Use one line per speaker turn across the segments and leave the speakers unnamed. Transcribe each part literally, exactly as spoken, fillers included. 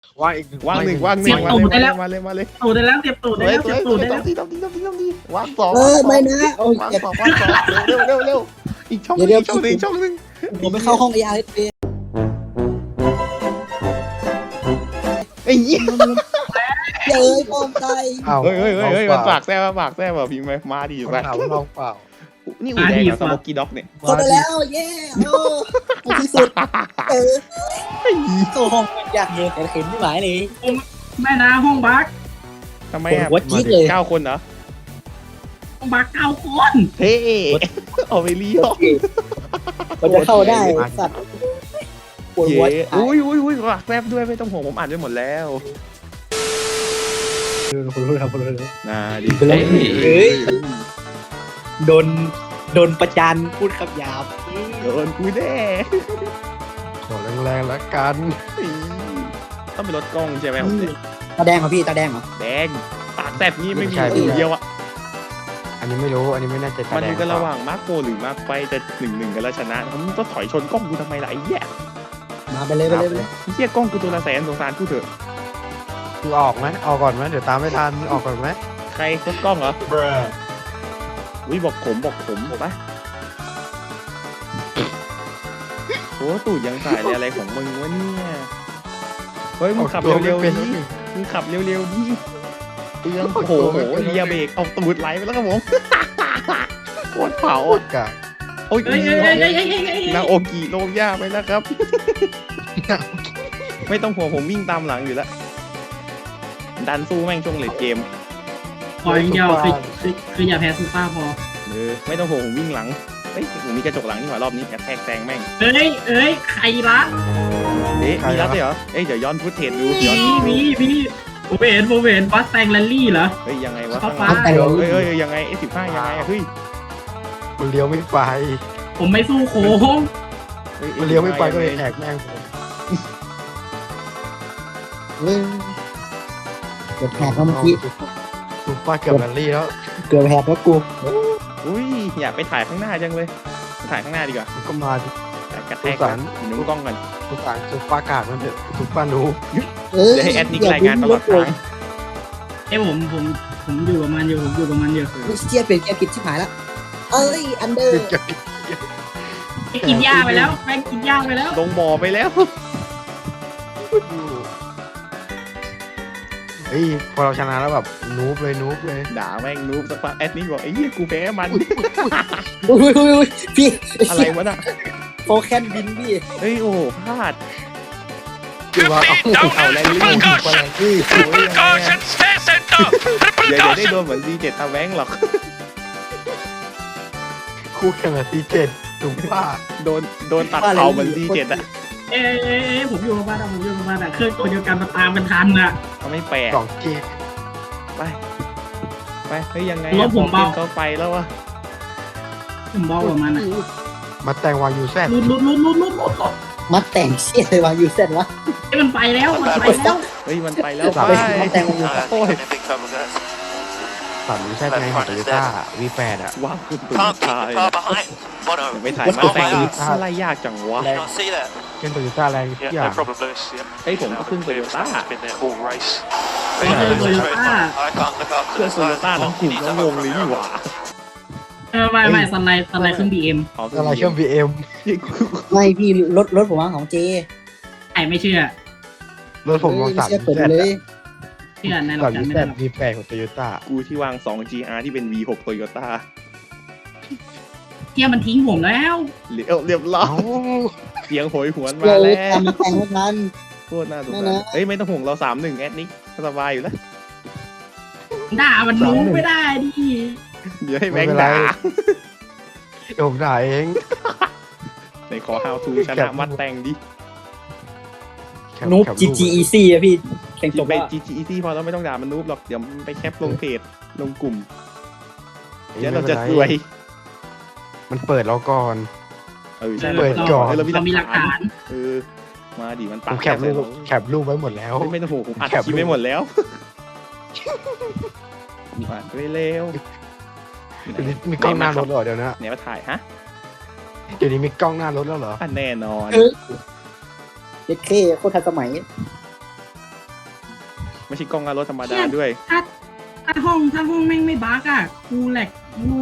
ว่างอีก
ว่างหนึ่งว่างหนึ่งมาเลยมาเลยมาเลย
ตูดได้แล้วเตรียมตูดได้แล้วเตรียมตูดได้
ต้
แล้
อง
ว
ดีต้องดีต้องดีต้องดีว่างสอง
เออไม่นะโอ้ย
ว่าง
เจ็บ
สองว่างสองเร็วเร็วเร็วอีกช่องนึงอีกช่องนึงช่องนึง
ผมไม่เข้าห้องไอ้อาร์เอสเ
ไอ้ยี่
เจอปอมไต
อ้าว
เฮ้ยเฮ้ยเฮ้ยมันปากแซ่บปากแซ่บแบบพิมพ์มาดีอยู่
ไป
ไป
ถามลองเปล่า
นี่อูแดงกับสโมกี้ด็อกเนี่ย
เข้าไปแล้วเย้โอ้ที่สุดเออเข้าห้องอยากเห็นแต่เห็นไม่ไหวเลย
แม่นาห้องบัก
ทำไมอ่ะ
วัดจี๊ดเลย
เก้าคนเหรอ
ห้องบักเก้าคน
เฮ้เอาไปเลี้ยว
มันจะเข้าได้สัตว์ปวด
เย้
หัว
อุ้ยอุ้ยอุ้ยปากแซ่บด้วยไม่ต้องห่วงผมอ่านไปหมดแล้ว
คุณรู้ครับคุณรู้
น่าดี
เฮ้ยโดนโดนประจานพูดคำหยาบ
โดนกูแน่
ขอแรงๆแล้วกัน
ต้องเป็นรถกล้องใช่ไหมผมเนี่ย
ตาแดงเหรอพี่ตาแดงเหรอ
แดงปากแซ่บนี่ไม่มีอูเดียวอ่ะ
อันนี้ไม่รู้อันนี้ไม่แน่ใจ
มันอยู่กันระหว่างมาร์คโฟหรือมาร์คไฟแต่หนึ่งหนึ่งกันแล้วชนะมันต้องถอยชนกล้องกูทำไมล่ะไอ้เหี้ย
มาไปเลยไปเลยไปเลย
ไอ้เหี้ยกล้องกูตัวละแสนสงสารกูเถอะ
คือออกไหมออกก่อนไหมเดี๋ยวตามไม่ทันออกก่อนไหม
ใครรถกล้องเหรอวิบอกผมบอกผมบอกปะโอ้ตูดยังสายเลยอะไรของมึงวะเนี่ยเฮ้ยมึงขับเร็วๆดิมึงขับเร็วๆดิเปลืองโอ้โหเรียเบรกเอาตูดไหลไปแล้วครับผมโคตรเผา
โคตรกะ
โอ้ย
เฮ้ยเฮ้ยเฮ้ยเฮ้ยเฮ้ยเฮ้ย
นาโอกิโลงย่าไปแล้วครับ ไม่ต้องห่วงผมวิ่งตามหลังอยู่แล้วดันสู้แม่งช่วงเลดเกม
ขออย่างเดียวคือคือคืออย่าแพ้ซูเปอร์พอ
เออไม่ต้องห่วงผมวิ่งหลังเฮ้ยผมมีกระจกหลังนี่หว่ารอบนี้แอบแทกแซงแม่ง
เอ้ยเอ้ยใครละ
เอ๊ะมีรับด้วยเหรอเอ้ยเดี๋ยวย้อนฟุตเทจดู
มี
ย้อน
มีมีผมเห็นผมเห็นบัสแตงแรลลี่เหรอ
เฮ้ยยังไงวะ
ฟ้า
ข้างหลังเฮ้ยเฮ้ยยังไงเอสิบห้ายังไงอะเฮ้ย
มันเลี้ยวไม่ไป
ผมไม่สู้โค้ง
ฮ้
มันเลี้ยวไม่ไปก็เลยแหกแม่งผม
เฮ้ยเกือบแหกแล้วเมื่อกี้
ซุปเปอร์เกือบแรลลี่แล้ว
เกือบแหกแล้วกู
อุ้ยอยากไปถ่ายข้างหน้าจังเลยไปถ่ายข้างหน้าดีกว่า
มันก็มาดิ
ถ่ายกระแทกก่อนนุ่งกล้องก่อน
ซุปเปอร์ซุปเปอร์กาดมันเถอะซุปเปอร์นู
เออ
เดี๋ยวให้แอดนิกรายงานตลอดทาง
เอ้ยผมผมผมอยู่กับมันอยู่ผมอยู่กับมันอยู่
ลูกเชียเป็นแกผิดชิบหายแล้วเอ้ยอันเดอร์
ไปกินหญ้าไปแล้วแม่งกินหญ้าไปแล้ว
ลงบ่อไปแล้ว
เฮ้ยพอเราชนะแล้วแบบนูบเลยนูบเลย
ด่าแม่งนูบสักพักแอดนิกบอกไอ้เหี้ยกูแพ้มัน
อุ้ยอุ้ยอุ้ยพี่
อะไรวะน่ะ
โฟแคนบินพี่
เฮ้ยโอ้โหพลาด
คือว่าเอา
เอาแรงลิ้น
ไปแรงลี่
เดี๋ยวเดี๋ยวได้โดนเหมือนซีเจ็ดตาแว้งหรอก
คู่แข่งกับซีเจ็ดถูกป่ะ
โดนโดนตัดเข่าเหมือนซีเจ็ดอะ
เอ้ยเอ้ยเอ้ยผมอยู่กับมันอะผมอยู่กับมันอะเครื่องตัวเดียวกันมาตามมันทันอะ
เขาไม่แปลก
สองเกม
ไปไปเฮ้ยยังไง
รถผมเบา
เขาไปแล้ววะ
ผมบอกกับมันอะ
มาแต่งวางยูแซด
ลุดลุดลุดลุดลุดลุดลุด
มาแต่งเชี่ยเลยวะยูเซนวะ
เอ้ยมันไปแล้วมันไปแล้ว
เฮ้ยมันไปแล้ว
ไป
ไป
มาแต่งวง
โอ้ย
สามยูแซดไงของโตโยต้าวีแปดอ่ะ
ว้าวคุณตุ่
Can't
ตาย
keep far behind. Bono.
ไม่ถ่ายมาแต่งอะไรยากจังวะ
Can I see that?
เป็นโตโยต้าแรงทุก
Yeah,
อย่าง
no problem, Lewis. Yep.
เฮ้ยผมก็ขึ้นโตโยต้า
Been there all race.
เครื่องโตโยต้า
I can't look
เครื่อง
after
โตโยต้าทั้งกลุ่มทั้งวงเลยนี่หว่า
เออไม่ไม่สไลด์สไลด์เครื่องบีเอ็ม
อะไรเครื่องบีเอ็ม
ไม่พี่รถรถผมว่าของเจ
ไอ้ไม่เชื่อ
รถผมลองสาม
เชื่อ
ยู
เปิด
แซด
เลย
เชื่อในหลั
สาก ม
การ
ยู
ไม่
แซ
ได้
ด
หรอก
วีแปดของโตโยต้า
กูที่วาง สอง จี อาร์ ที่เป็น วี หก โตโยต้า
เที่ยมันทิ้งผมแล้ว
เรียบเรียบร้อ
เอ้าย
เสียงโหยหวน
เล
มาย แล้ว
ทำมาแต่งไม่ทัน
โคตรน่าสง
ไม่
สาร
นะ
เฮ้ยไม่ต้องห่วงเราสามหนึ่งแอดนิกสบายอยู่แล้ว
ด่ามันรู้ไม่ได้ดิ
เดี๋ยวให้แบงค์ด่า
เดี๋ยวผมด่าเอง
ในขอ how to ชนะมัดแต่งดิ
นูบ จี จี อี ซี อะพี่แข่งจ
จ
บบ
ไป
แล้ว
จี จี อี ซี พอแล้วไม่ต้องด่ามันนูบหรอกเดี๋ยวมันไปแคปลงเพจลงกลุ่มเดี๋ยวเราจะรวย
มันเปิดเราก่อน
เออใช่
เปิดก่อน
เรา
เรามีหลักฐาน
เออมาดิมัน
ผ
ปาก
มแคปรูปแคปรูปไว้หมดแล้ว
ไม่ต้องห่วงผมอัด
แคป
คลิป
รูป
ไม่หมดแล้วมาไปเร็ว
เดี๋ยวนี้มีกล้องหน้ารถเหรอเดี๋ยวนะ
เนี่ยมาถ่ายฮะ
เดี๋ยวนี้มีกล้องหน้ารถแล้วเหรอ
อ่ะแน่นอน
เออเจ็ดเคโคตรทันสมัย
ไม่ใช่กล้องหน้ารถธรรมดาด้วย
ถ้าถ้าห้องถ้าห้องแม่งไม่บั๊กอ่ะกูแหลกกู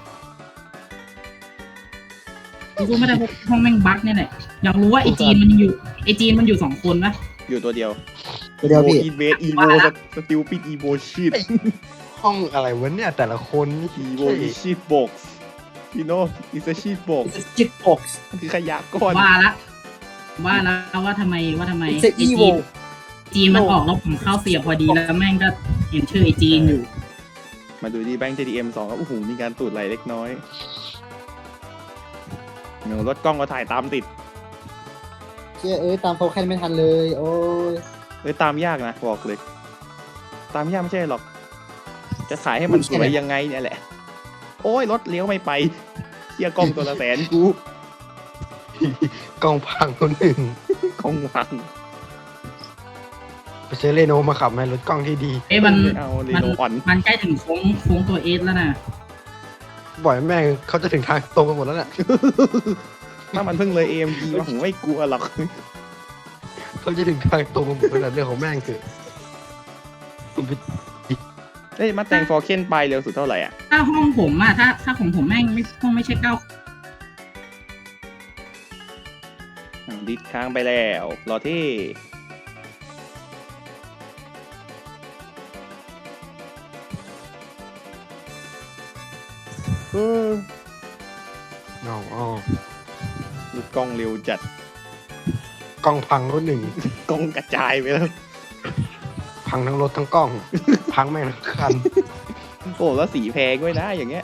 กูไม่ได้พบห้องแม่งบั๊กเนี่ยแหละอยากรู้ว่าไอจีนมันอยู่ไอจีนมันอยู่สองคนปะ
อยู่ตัวเดียว
เดี๋ยวพี่
อีเวสอีโวสติลปิดอีโวชิต
ห้องอะไรวะเนี่ยแต่ละคนนี่
อีโวอีชีตบ็อกซ์you know it's a sheet box
จิตบ็อกซ์
มันคือขยะก้อน
ว่าละว่าแล้วว่าทำไมว่าทำไม
It's a
ไอจีน
evil
จีนมันออกแล้วผมเข้าเสียบพอดีแล้วแม่งก็เห็นชื่อไอจีนอยู่
มาดูดีแบงค์ ที ดี เอ็ม สองครับโอ้โหมีการตูดไหลเล็กน้อยเงารถกล้องก็ถ่ายตามติด
เชื่อเอ้ยตามเขาแค่ไม่ทันเลยโอ้ย
เอ้ยตามยากนะบอกเลย ตามยากไม่ใช่หรอก จะขายให้มันสวยยังไงเนี่ยแหละ โอ้ยรถเลี้ยวไม่ไปเที่ยกล้องตัวละแสนกู
กล้องพังคนหนึ่ง
กล้องวัง
ไปซื้อเรโนมาขับไหมรถกล้องที่ดี
เอ้ยมัน
ไม่เอาเร
มัน
โนอ่อน
มันใกล้ถึงโค้งโค้งตัวเอสแล้วนะ
บ่อยแม่งเขาจะถึงทางตรงกันหมดแล้วเนี่ย
ถ้ามันเพิ่งเลย เอ เอ็ม จี มาผมไม่กลัวหรอก
เขาจะถึงทางตรงกันหมดแล้วเรื่องของแม่งคือ
เอ้ยมาแต่งฟอร์เคนไปเร็วสุดเท่าไหร่อ่ะ
ถ้าห้องผมอะถ้าถ้าของผมแม่งไม่ห้องไม่ใช่เก้า
อ้าวดิดค้างไปแล้วรอที่เออ
น้องอ๋อ
ดูกล้องเร็วจัด
กล้องพังรถหนึ่ง
กล้องกระจายไปแล้ว
พังทั้งรถทั้งกล้อง พังแม่งทั้งคัน
โอ้แล้วสีแพงด้วยนะอย่างเงี้ย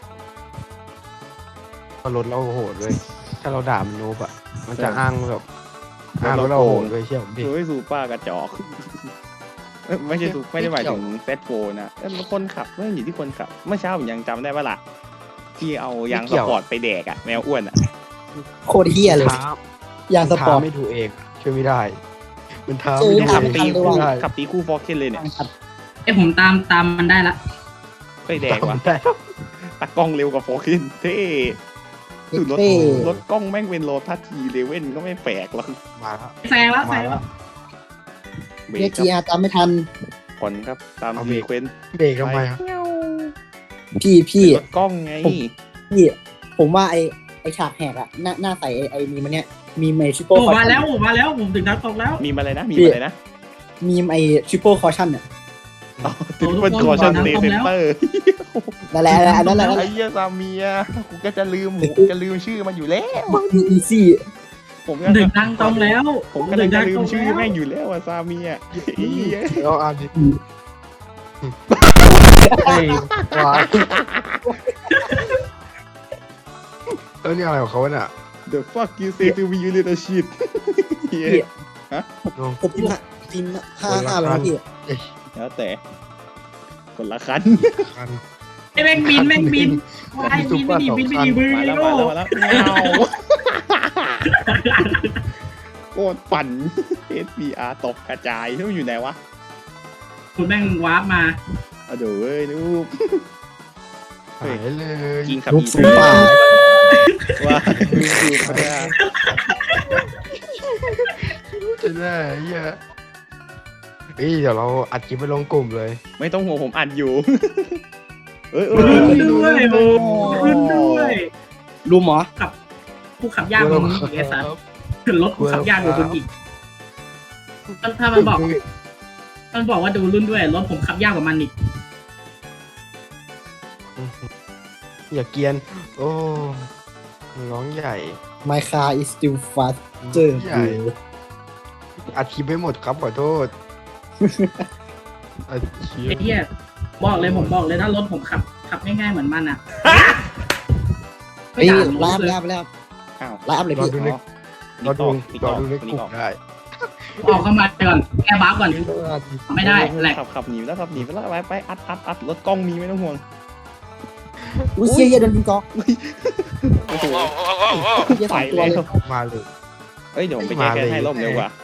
เพราะรถเราโหดเลยถ้าเราด่ามันโนบอะมันจะอ้างแบบอ้างรถเราโหดเลยเชี่ยวผมดิ
เฮ้ยซูเปอร์กระจอกเอ้ยไม่ใช่ซูไม่ได้หมายถึงเฟสโฟนะเอ้ยคนขับไม่อยู่ที่คนขับ เมื่อเช้าผมยังจำได้ว่าล่ะที่เอายางสปอร์ตไปแดกอะแมวอ้วนอะ
โคตรเฮี้ยเลย
ท้า
อย่างสปอร์ต
ท้าไม่ถูกเองช่วยไม่ได้ มันท้า
เจอ
ไม่ถู
ขับ
กเอง
ตี
ไม่
คู่
ได้
ขับตีคู่ฟอร์เคนเลยเนี่ย
เอ้ยผมตามตามมันได้ละ
ไปแดกว่ะ
ได้
ตากล้องเร็วกว่าฟอร์เคนเท่สุดรถ
เท่
รถกล้องแม่งเป็นโลทัสทีเลเว่นก็ไม่แปลกหรอก
มาแล้ว
แซงแล้วแซ
มาง แล้
แล้ว ว
เบร
เรีย
ก
ก
ค
จี
รับ
อาร์ตามไม่ทัน
ผ่อนครับตาม
เอาเบร
ซี
ก
เควนต์
เบรกทำไมอะ
พี่พี่
รถกล้องไง
พี่ ผมว่าไอไอฉากแหกอะหน้าหน้าใส่ไอไอมีมันเนี้ยมีไอชิปโป้
โอ้มาแล้วโอ้มาแล้วผมถึงนัดตกแล้ว
มีมาอะไรนะมีมาอะไรนะ
มีไอชิปโป้คอชั่นเนี่ย
ติดเป็นคอชั่นเซนเตอร์
นั่นแหละอันนั้นแหละนั่นแห
ไอ้
ละ
เหี้ยซาเมียกูก็จะลืมกูจะลืมชื่อมันอยู่แล้ว
อีซี่
ผมก็
ถึงทางตรงแล้ว
ผมก็จะลืมชื่อแม่งอยู่แล้วอะซาเมียไอ้เหี้ย
เอาอ่านดิเฮ้ยว้ายเออนี่อะไรของเขาเนี่ย
The fuck you say to me you little shit เหี้ย
ผมพิมพ์ห้าพิมพ์ห้าห้าไปนะพี่
แล้วแต่คนละคัน
คัน
ไอ้แม่งบินแม่งบินไอ้บินไม่ดีบินไม่ดีมือ
มาแล้ว
โง่
มาแล้วมาแล้วเงาโคตรปั่น เอส บี อาร์ ตกกระจายที่มันอยู่ไหนวะ
คุณแม่งวาร์ปมา
เอาเดี๋ยวเว้ยลูก
หายเลย
กินขับ
ลูก
อี
สูงป่า
ว่าลูกสูบมาได้
จะได้เหี้ยเฮ้ยเดี๋ยวเราอัดคลิปไปลงกลุ่มเลย
ไม่ต้องห่วงผมอัดอยู่ เอ้ยเอ
ขึ้น
อ
ด้วยโอ้ขึ้นด้วย
รู้หมอ
ผู้ขับยากกว่ามึงอีกไอ้สัสขึ้นรถผู้ขับยากกว่ามึงอีกถ้ามันบอก มันบอกว่าดูรุ่นด้วยรถผมขับยากกว่ามันอีก
อย่าเกรียน โอ้ร้องใหญ่
My car is still faster
ใหญ่ อัดคลิปไม่หมดครับขอโทษอัดคลิป
ไอ้เหี้ยบอกเลยผมบอกเลยถ้ารถผมขับขับง่ายๆเหมือนมันอ่ะ
เฮ้ย
ด่า
ลาบ
เลย
ลาบลาบ
อ้าว
ลาบเลย
รอ
พี่
ดูในรอดูรอดูในก
นี่
ลุ่ม
ออก
ได้
ออกเข้ามาก่อนแก้บัฟก่อนไม่ได้แหลก
ขับขับหนีไปแล้วขับหนีไปแล้วไปไปอัดอัดอัดรถกล้องมีไม่ต้องห่วง
อุ้ยเชี่ยเหี้ยโดนยิงกอก
โอ้โห
เหี้ยส
ไป
องตัว
แล้
เล
วย
มาเลย
เอ้ยเดี๋ยวผมไปแก้แค้นให้ร่มเร็วกว่า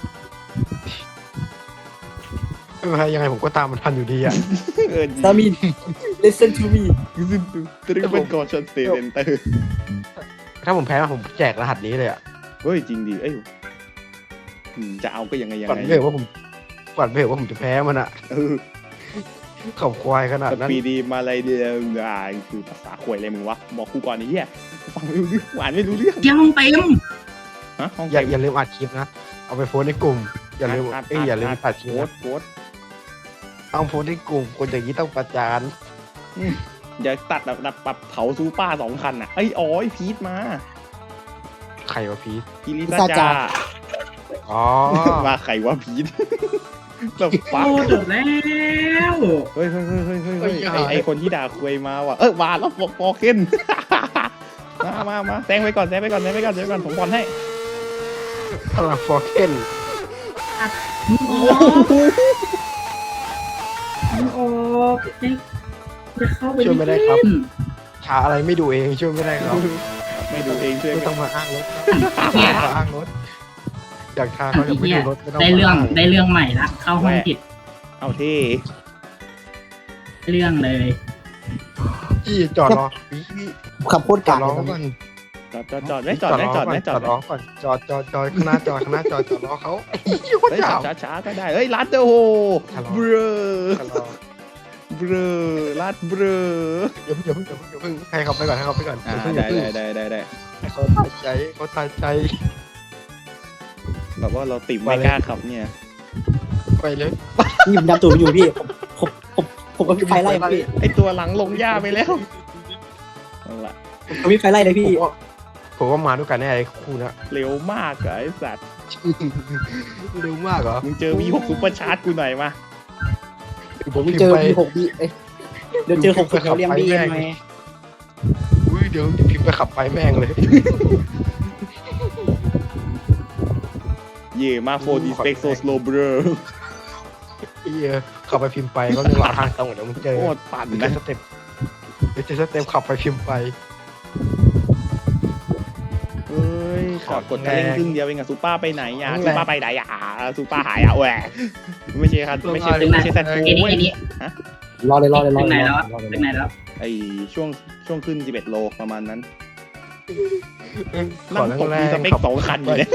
ไม่เป็นไรยังไงผมก็ตามมันทันอยู่ดีอ่ะ
เออ
ซามิน listen to me
ตรึงเป็นกอชันเซนเตอร์
ถ้าผมแพ้ผมแจกรหัสนี้เลยอ่ะ
เฮ้ยจริงดิเอ้ยอืมจะเอาก็ยังไงยัง
ฝัน
ไง
เลยว่าผม ผฝันไปเถอะว่าผมจะแพ้มันอะ
เออ
ขับควายขนาด
ส
นั้น
ปีดีมาอะไรเดียวอ่าคือภาษาข่วยอะไรมึงวะบอกกูก่อนไอ้เหี้ยฟังไม่รู้เรื่องหวานไม่รู้เรื่อง
เที่ยวห้องเต็ม
ฮะห้อง
อย่า
เต็ม
อย่าลืมอัดคลิปนะเอาไปโพสต์ในกลุ่มอย่าลืม
อัด
เอ้ยอย่าลืมตัดคลิป
โพส
นะ
ต์โพสต์
เอาโพสต์ในกลุ่มคนอย่างนี้ต้องประจาน
อย่าตัดแบบแบบปรับเผาซูป้าสองคันอ่ะไอ้ยอ๋อไอ้พีทมา
ใครวะพีท
พีริ
พิ
ซา
ซา
จา
จา
อ๋อ
มาใครวะพีทแบบ
โอ้
ฟัก
จบแล้ว
เฮ้ยเฮ้ยเฮ้ยเฮ้ยเฮ้ยเฮ้ยไอ้ไอ้คนที่ด่าคุยมาว่ะเออมาแล้วฟอกฟอกขึ้น มามามาแซงไปก่อนแซงไปก่อนแซงไปก่อนแซงไปก่อนผมบอลให้
พลังฟอร์เคน
มึงออกมึงออกจะเข้าไป
ช่วยไม่ได้ครับ
เล่น
ชาอะไรไม่ดูเองช่วยไม่ได้ครับ
ไม่ดูเองช่วย
ไม่
กั
ต้อน งมาอ้างรถ
เนี่ย
ไม่ต้องมาอ้างรถอยากทาเขาอยากไม่ดูรถไม่ต้อง
ได้
มา
เรื่อง
อ้าง
ได้เรื่องใหม่ละเข้าห้องผิด
เอาเท่
เรื่องเลย
พี่จอดรอพี่พี่
ขับโคตร
จ
กา
อ
ก
ดรอ
เลย
ก่อน
จอดจอดจอดไม่จอดไม่จอดไม่จอด
รอก่อนจอดรอก่อนจอดจอดจอดจอดข้างหน้าจอดข้างหน้าจอดจอดรอเขาไอ้เหี้ยโคตร
เฮ้ย
ยาว
ช้าช้าก็ได้เฮ้ยลัดเดอโห
ชะลอ
เบรอ
ชะลอ
เบรอลัดเบรอ
อย่าเพิ่งอย่าเพิ่งอย่าเพิ่งอย่าเพิ่งให้เขาไปก่อนให้เขาไปก่อน
อ่า
อย่าเพิ่งอย่า
ได้
เพิ่ง
ได้ได้ได้ได้
ให้เขาตายใจเขาตายใจ
แบบว่าเราติดไม่กล้าขับเนี่ย
ไปเลย
นี่ผมดำตูดอยู่พี่ผมผมผมผมก็มีไฟไล่พี่
ไอตัวหลังลงหญ้าไปแล้วเอาละ
ผมมีไฟไล่เลย
ผ
พี่
มว่าผมว่ามาด้วยกันแน่ไอ้คู่นะ
เร็วมากอะไอสัตว์
เร็วมากเหรอ
มึงเจอวีหกซุปเปอร์ชาร์จกูหน่อยมา
ผม
ผม
พิม
เจ
พ์
อ
ไป
พี่หกบีเอ้ยเดี๋ยวเจอหกสิบเขาเรียงบีเอ็มไหม
อุ้ยเดี๋ยวพิมพ์ไปขับไปแม่งเลย
เย่มาโฟดีสเปกโซสโลเบรอ
ไอ้เหี้ยขับไปพิมพ์ไปก็เรื่องราวทางตรงเดี๋ยวมึงเจอ
โคตรปั่น
เดี๋ยว
นะ
เจอสเต็ปเดี๋ยวเจอสเต็ปขับไปพิมพ์ไป
เฮ้ยขับกดคันเร่งครึ่งเดียวเองอะซูเปอร์ไปไหนอะ
แรง
ซูเปอร์ไปไหนอะซูเปอร์หายอะแหวะไม่ใช่ครับไม่ใช่ไม่ใช่แซดโก
ไอ้นี่
เว้ย
ไอ้นี่
รอเลยรอเลยรอ
ถึง
เล
ไหน
ย
แล้ว
รอเลย
ถึงไหนแล้ว
ไอช่วงช่วงขึ้นสิบเอ็ดโลประมาณนั้น
ขอ
นั่ง
แรง
ตก
แร
มี
ง
สเปคสองคันอยู่เนี่ย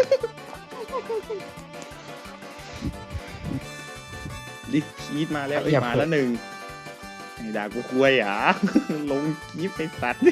ดิคีดมาแล้วเอ้ยมาแล้วหนึ่งไอ้ด่ากูคุยอ่ะ ลงคีฟไปสัตว์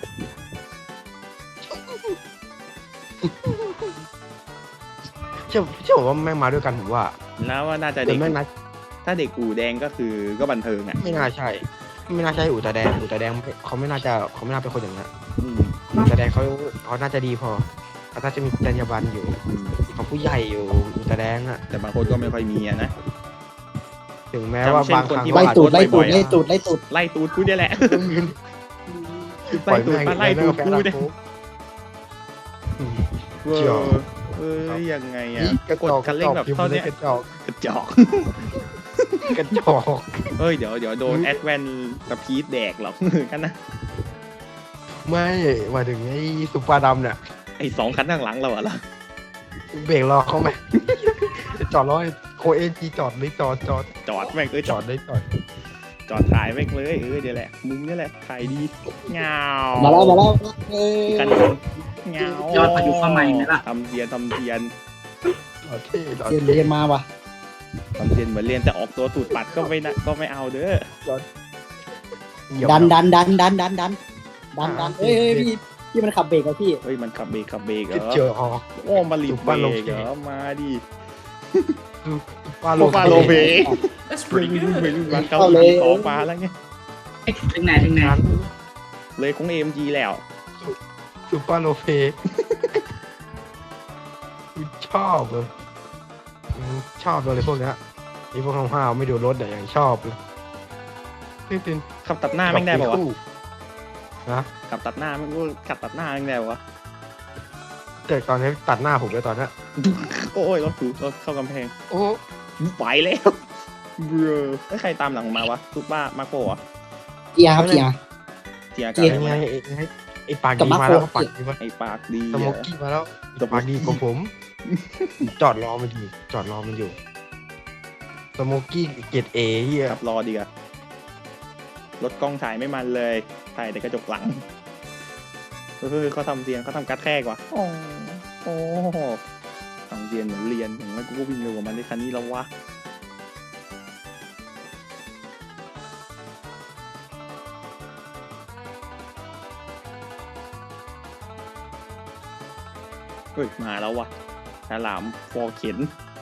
เชื่อเชื่อผมว่าแม่งมาด้วยกันผมว่า
แล้วว่าน่าจะ
แต่
เด็ก
แม่งน่า
ถ้าเด็กอู่แดงก็คือก็บันเทิงอ่ะ
ไม่น่าใช่ ไม่น่าใช่อู่ตาแดงอู่ตาแดงเขาไม่น่าจะเขาไม่น่าเป็นคนอย่างนั้น
อืม
อู่ตาแดงเขาเขาน่าจะดีพอเขาน่าจะมีจรรยาบรรณอยู่
อืม
เขาผู้ใหญ่อยู่อู่ตาแดงอะ
แต่บางคนก็ไม่ค่อยมีอ่ะนะ
ถึงแม้ว่า
จำเช่น
บางค
คน
รั้ง
ที่
ไล่ตูดไล่ตูด
บ่อยๆอะ
ไล่ตูดไล่ตูด
ไล่ตูดกูเนี่ยแหละ
ปล่
ไล่
อย
ตูด
แม่ง
มาไล่ตูดกูเนี่ย
อืม
เว้ย
เจียว
เอ้ยยังไงอ่ะ
นี่กระ
กด
จอก
คันเร่งแบบ
พิมพ์
เท่า
เล
เนี้
ย
ย
กระจอก
กระจอก
กระจอก
เฮ้ยเดี๋ยวเดี๋ยวโดนแอดแวนกับพีทแดกหรอก กันนะ
ไม่หมายถึงไอ้สุปาดำเนี่ย
ไอ้สองคันข้างหลังเราอะล่ะ
เบรกรอเขาไหม จอดรอให้โคเอจีจอดเลยจอดจอด
จอดแม่งเอ้ย
จ
จ
อ
อ
ด
ด
เลยจอด
จอดถ่ายแม่งเลยเออเดี๋ยวแหละมุมนี่แหละถ่ายดีเงา
มาแล้วมาแล้วเอ้ย
กันเงาย
อดพายุเข้ามาอีกไหมล่ะ
ทำเทียนทำเทียน
จอดเท่จอด
เรียน
เท่
เรียนมาว่ะ
ทำเทียนเหมือนเรียนแต่ออกตัวตูดปัดก็ไม่นะก็ไม่เอาเด้อ
ดันดันดันดันดันดันดันดันเฮ้ยเฮ้ยพี่พี่มันขับเบรกแล้วพี่
เฮ้ยมันขับเบรกขับเบรกเหร
กระ
อ
เจอฮอ
โอ้มาลีบเบรกเหรอมาดิ
ฟาโล
โอ้ฟาโลเบรก
That's
ไม่
pretty
รู้
good.
ไม่รู้มันเกาหลีสองมาแล้วไง
เอ๊ะถึงไหนถึงไหน
นั้น
เลยของเอ็มจีแล้ว
ซูเปอร์โลเฟชอบเลยอืมชอบเลยพวกเนี้ยไอ้พวกห้าวๆไม่ดูรถเนี่ยอย่างชอบเลยนี่เป็น
ขับตัดหน้าแม่งได้ป่าวะ
นะ
ขับตัดหน้าแม่งก็ขับตัดหน้าแม่งได้ป่าวะ
แต่ตอนนี้ตัดหน้าผมเลยตอนนี้
โอ้ยรถถูกรถเข้ากำแพง
โอ้
ไปแล้วเบรอไอ้ยใครตามหลังมาวะซุปเปอร์มาโกะ
เกียร์ครับเกียร์
เจีย
เกี
กั
ยร์
ไง
บ
ไอ้ไอ้ไอ้ปาก
กับ
ดี
มา
มา
โค
แล้วปากดีมา
ไอ้ปากดี
สโมกกี้มาแล้วปากดีกว่าผม จอดรอมันอยู่จอดรอมันอยู่สโมกกี้เกตเอเฮีย
ขับรอดีกว่ารถกล้องถ่ายไม่มันเลยถ่ายแต่กระจกหลังเฮ้ยเขาทำเสียงเขาทำกัดแค่กว่าโอ้โอ้ทำเรียนเหมือนเรียนอย่างนั้นกูก็วิ่งเร็วกว่ามันในคันนี้แล้ววะเฮ้ยมาแล้ววะฉลามฟอเข็น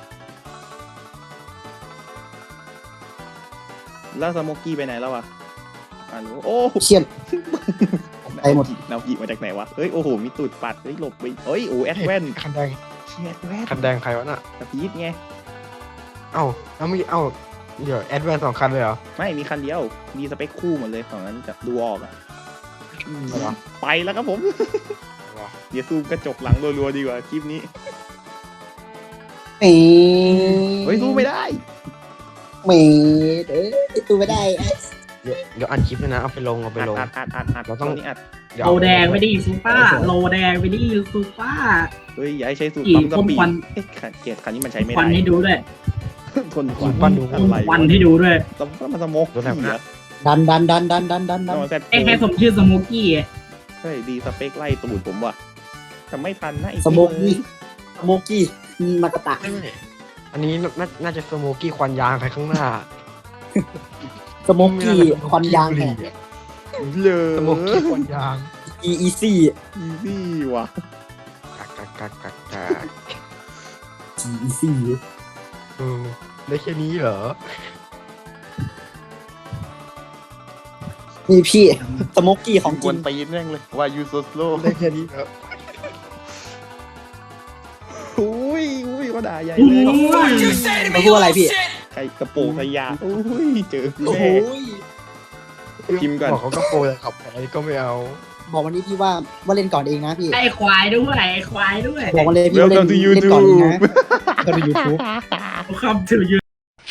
แล้วสโมกกี้ไปไหนแล้ววะฮัลโหลโอ้
เชี่ยน ไปหมด
นาวีมาจากไหนวะเฮ้ยโอ้โหมีตูดปัดเฮ้ยหลบไปเฮ้ยโอ้แอดแวน
คันแดง
เชียแอดแวน
คันแดงใครวะน่ะ
กระพีดไง
เอ้าแล้วมีเอ้าเดี๋ยวแอดแวนสองคันเลยเหรอ
ไม่มีคันเดียวมีสเปคคู่หมดเลยฝั่งนั้นจะดูออกอ่ะอืม
เหรอ
ไปแล้วครับผม เดี๋ยวซูมกระจกหลังรัวๆดีกว่าคลิปนี้
เอ้ย
เฮ้ยซูมไม่ได้
เมดเอ้ยตัวไม่ได้
เดี๋ยวเดี๋ยวอัดคลิปด้วยนะเอาไปลงเอาไป
อัด
ลง
อัดอัดอัดอัด
เราต้อง
นี้อัด
เดี๋ยว
โล
เอา
แดงไปดิซูป้าโลแดงไปดิซูป้า
เฮ้ยอย่าให้ใช้สูตร
อี
ปั๊มสปี
พ่นควั
ด
น
เอ๊ะคันเกียร์คันนี้มันใช้ไม่
ควั
ได้
นให้ดูด้วย
ทนควัน
ปั้นดู
อะไร
ควันให้ดูด้วย
แล้วมันสโมก
รถแถวหน้า
ดันดันดันดันดันดันดั
ต้
น
องมาแซด
ไอ้แค่สมชื่อสโมกี้
เฮ้ยดีสเปคไล่ตูดผมว่ะแต่ไม่ทันนะไอ้
สโมกกี้สโมกกี้มากระตะ
ไม่ไม่อันนี้น่าน่าจะสโมกี้ควันยางใครข้างหน้า
สโมกกี้ควันยางแหก
เลย
สโมกี้ควันยาง
อีอีซี่
อีซี่ว่ะ
กักกักกักกักกัก
อีซี่
เออได้แค่นี้เหรอ
นี่พี่สโมกกี้ของ
ก
จริ
วน
ง
ตีนแม่งเลยว่ายูโซสโล
ได้แค่นี้เหรอ
อุ้ยอุ้ยก็ด่าใหญ่
โอ้
เลย
โห
มาพูดอะไรพี่
ใครกระโปรงขยะอุ้ยเจอ
โอ้โห
แม่ พิมพ์ก่อน
บอกเขาก็โปรแต่ขับแพ้ก็ไม่เอา
บอกวันนี้พี่ว่าว่าเล่นก่อนเองนะพี่
ไอ้ควายด้วยไอ้ควายด้วย
บอกมาเลยพี่
เวล
ว่าเล่
คัม
น
ทูยู
เล่น
ทู
ก่อนเอง
บ
นะก็ดูยูทูบ
คำถือยืน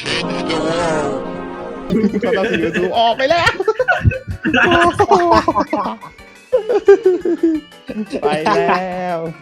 เขาต้องยูทูบออกไปแล้ว ไปแล้ว